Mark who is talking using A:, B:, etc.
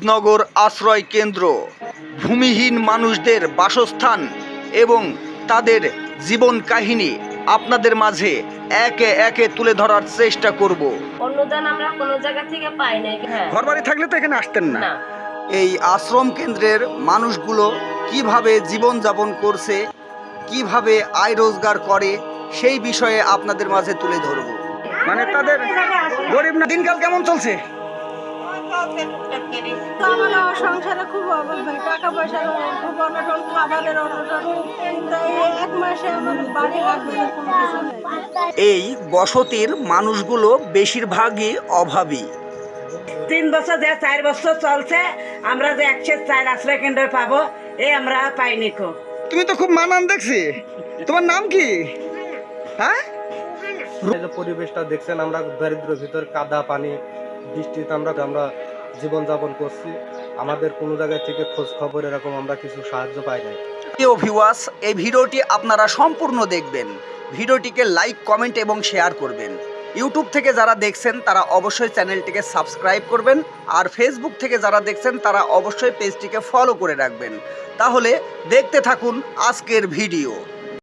A: মুজিবনগর আশ্রয় কেন্দ্র ভূমিহীন মানুষদের বাসস্থান এবং তাদের জীবন কাহিনী আপনাদের মাঝে একে একে তুলে ধরার চেষ্টা করব।
B: অনুদান আমরা কোনো জায়গা থেকে পাই না। হ্যাঁ,
A: ঘরবাড়ি থাকলে তো এখানে আসতেন না।
B: না।
A: এই আশ্রম কেন্দ্রের মানুষগুলো কিভাবে জীবনযাপন করছে, কিভাবে আয় রোজগার করে, সেই বিষয়ে আপনাদের মাঝে তুলে ধরব। মানে তাদের গরিব না, দিনকাল কেমন চলছে?
C: আমার সংসারে খুব অভাব হয়, টাকা পয়সার খুব অনটন, খাবারের অনটন। কিন্তু এই এক মাসে আমার বাড়ি লাগবে না, কোনো কিছু নেই।
A: এই বসতির মানুষগুলো বেশিরভাগই অভাবী।
D: 3 বছর যে 4 বছর চলছে, আমরা যে 104 আশ্রয় কেন্দ্র পাবো এই আমরা পাইনি কো।
A: তুমি তো খুব মানান দেখছি, তোমার নাম কি? হ্যাঁ,
E: এই যে পরিবেশটা দেখছেন, আমরা দারিদ্র ভিতর কাদা পানি বৃষ্টিতে আমরা জীবন যাপন করছি। আমাদের কোনো জায়গা থেকে খোঁজ খবর এরকম আমরা কিছু সাহায্য পাই নাই।
A: প্রিয় ভিউয়ার্স, এই ভিডিওটি আপনারা সম্পূর্ণ দেখবেন। ভিডিওটিকে লাইক, কমেন্ট এবং শেয়ার করবেন। ইউটিউব থেকে যারা দেখছেন তারা অবশ্যই চ্যানেলটিকে সাবস্ক্রাইব করবেন, আর ফেসবুক থেকে যারা দেখছেন তারা অবশ্যই পেজটিকে ফলো করে রাখবেন। তাহলে দেখতে থাকুন আজকের ভিডিও।